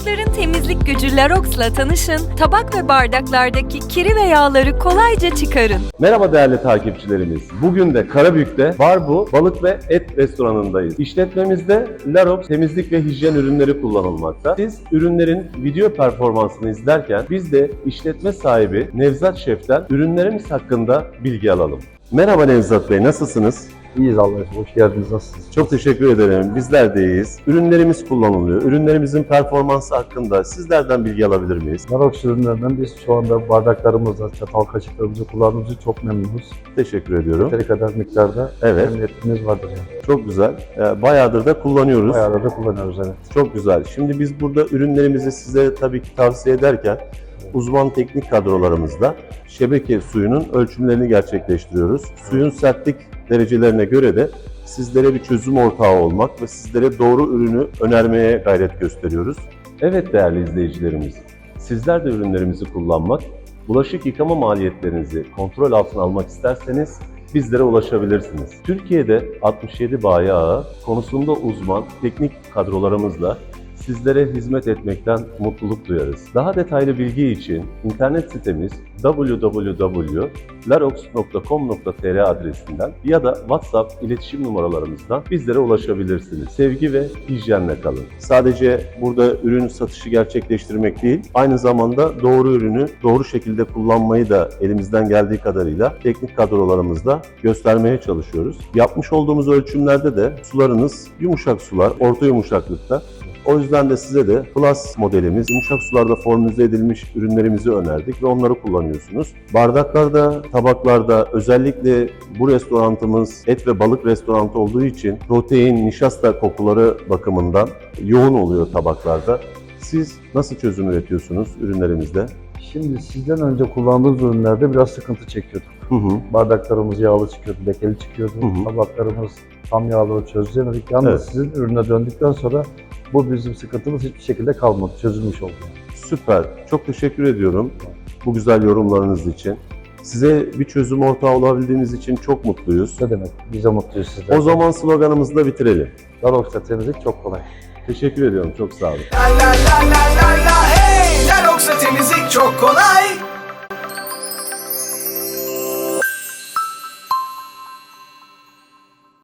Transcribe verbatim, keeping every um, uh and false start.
Başların temizlik gücü Larox'la tanışın, tabak ve bardaklardaki kiri ve yağları kolayca çıkarın. Merhaba değerli takipçilerimiz. Bugün de Karabük'te Barbu Balık ve Et restoranındayız. İşletmemizde Larox temizlik ve hijyen ürünleri kullanılmakta. Siz ürünlerin video performansını izlerken biz de işletme sahibi Nevzat Şef'ten ürünlerimiz hakkında bilgi alalım. Merhaba Nevzat Bey, nasılsınız? İyiyiz Allah'a emanet. Hoş geldiniz. Nasılsınız? Çok teşekkür ederim. Bizler de iyiyiz. Ürünlerimiz kullanılıyor. Ürünlerimizin performansı hakkında sizlerden bilgi alabilir miyiz? Larox ürünlerinden biz şu anda bardaklarımızla, çatal kaşıklarımızı kullandığımız için çok memnunuz. Teşekkür ediyorum. Yeteri kadar miktarda Evet. memnuniyetimiz vardır yani. Çok güzel. Ee, Bayağıdır da kullanıyoruz. Bayağı da kullanıyoruz, evet. Çok güzel. Şimdi biz burada ürünlerimizi size tabii ki tavsiye ederken uzman teknik kadrolarımızla şebeke suyunun ölçümlerini gerçekleştiriyoruz. Suyun sertlik derecelerine göre de sizlere bir çözüm ortağı olmak ve sizlere doğru ürünü önermeye gayret gösteriyoruz. Evet değerli izleyicilerimiz, sizler de ürünlerimizi kullanmak, bulaşık yıkama maliyetlerinizi kontrol altına almak isterseniz bizlere ulaşabilirsiniz. Türkiye'de altmış yedi bayi ağı konusunda uzman teknik kadrolarımızla sizlere hizmet etmekten mutluluk duyarız. Daha detaylı bilgi için internet sitemiz w w w nokta larox nokta com nokta t r adresinden ya da WhatsApp iletişim numaralarımızdan bizlere ulaşabilirsiniz. Sevgi ve hijyenle kalın. Sadece burada ürün satışı gerçekleştirmek değil, aynı zamanda doğru ürünü doğru şekilde kullanmayı da elimizden geldiği kadarıyla teknik kadrolarımızla göstermeye çalışıyoruz. Yapmış olduğumuz ölçümlerde de sularınız yumuşak sular, orta yumuşaklıkta. O yüzden de size de Plus modelimiz, yumuşak sularda formüle edilmiş ürünlerimizi önerdik ve onları kullanıyorsunuz. Bardaklarda, tabaklarda, özellikle bu restorantımız et ve balık restoranı olduğu için protein, nişasta kokuları bakımından yoğun oluyor tabaklarda. Siz nasıl çözüm üretiyorsunuz ürünlerimizde? Şimdi sizden önce kullandığımız ürünlerde biraz sıkıntı çekiyorduk. Hı hı. Bardaklarımız yağlı çıkıyordu, lekeli çıkıyordu. Hı hı. Tabaklarımız tam yağlı çözemedik. Yalnız Evet. sizin ürüne döndükten sonra bu bizim sıkıntımız hiçbir şekilde kalmadı, çözülmüş oldu. Süper. Çok teşekkür ediyorum bu güzel yorumlarınız için. Size bir çözüm ortağı olabildiğiniz için çok mutluyuz. Ne demek? Biz de mutluyuz sizden. O zaman sloganımızı da bitirelim. Larox'ta temizlik çok kolay. Teşekkür ediyorum. Çok sağ olun. La la la la la la hey! Larox'la temizlik çok kolay.